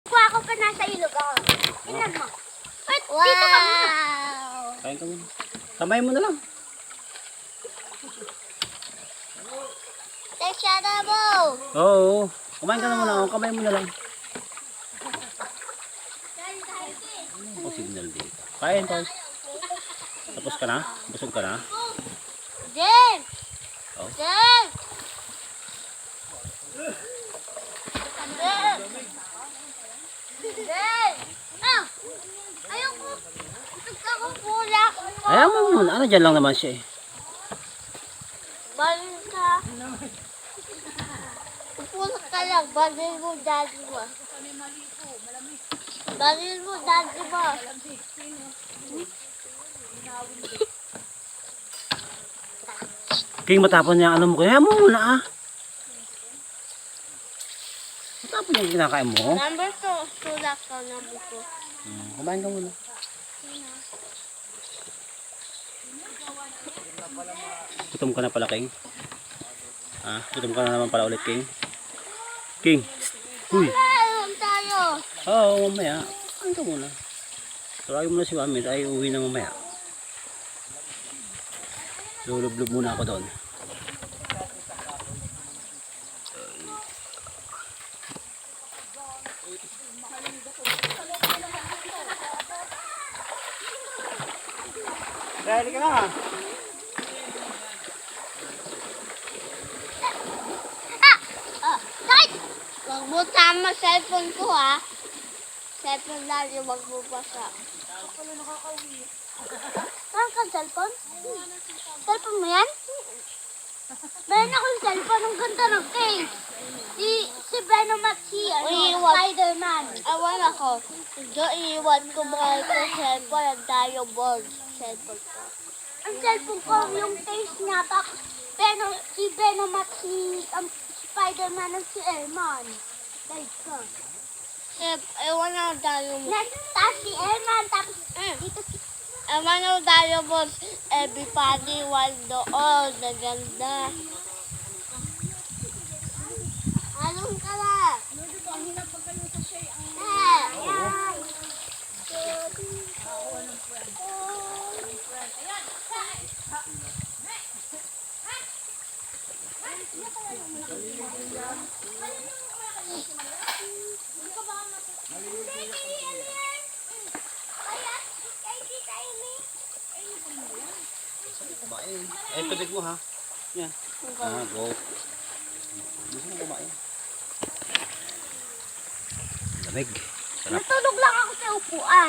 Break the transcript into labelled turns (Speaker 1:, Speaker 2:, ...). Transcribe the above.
Speaker 1: Kuha ko pa nasa ilog ako. Tingnan mo. Ay,
Speaker 2: Wow!
Speaker 1: dito ka muna.
Speaker 3: Kain ka muna. Kamay mo na lang.
Speaker 2: Teka na mo!
Speaker 3: Oo. Kumain ka na muna. Kamay mo na lang. Ako signal dito. Kain, Tol. Tapos ka na? Busog ka na?
Speaker 2: Jen!
Speaker 3: Oh.
Speaker 2: Jen! Jen! Jen!
Speaker 1: Ah! Ayoko.
Speaker 2: Nagkakapulak.
Speaker 3: Ayaw mo muna. Ano dyan lang naman siya eh.
Speaker 2: Balil ka. Pupulak ka lang. Balil mo, daddy mo. Balil mo, daddy mo.
Speaker 3: King, matapon niya ang ano mo. Kaya mo muna ah. Matapon niya yung kinakain mo.
Speaker 2: Number 2. Tulak ka, number 2.
Speaker 3: Kumain ka muna. Gutom ka na pala, King. Ah, gutom ka na naman pala ulit, King. King. Uy.
Speaker 2: Ayun tayo.
Speaker 3: Oo, mamaya. Kumain ka muna. Tawagin mo na si Mami. Ay, uwi na mamaya. Lulublob muna ako doon. Ready ka na?
Speaker 2: Sakit! Huwag mo tama cellphone ko ha. Cellphone lang yung wag mo basa.
Speaker 1: Saan ka cellphone? Cellphone mo yan? Meron akong cellphone. Ang ganda ng case. Si Venom at si Spider-Man.
Speaker 2: Awan ako. Diyo iiwan ko mga ito cellphone. Ang tayo board. Cellphone ko.
Speaker 1: Ang cellphone ko, yung case niya, si Venom at si Spider-Man at si Elman. Like ko.
Speaker 2: Ewan ako tayo mo.
Speaker 1: Tapos si Elman, tapos dito si...
Speaker 2: Ewan ako tayo board. Everybody want doon. Naganda. Anong ka na?
Speaker 3: Kumain. Ay, tubig mo ha. Yan. Ah, go. Gusto mo kumain? Lamig. Sarap.
Speaker 1: Natulog lang ako sa upuan.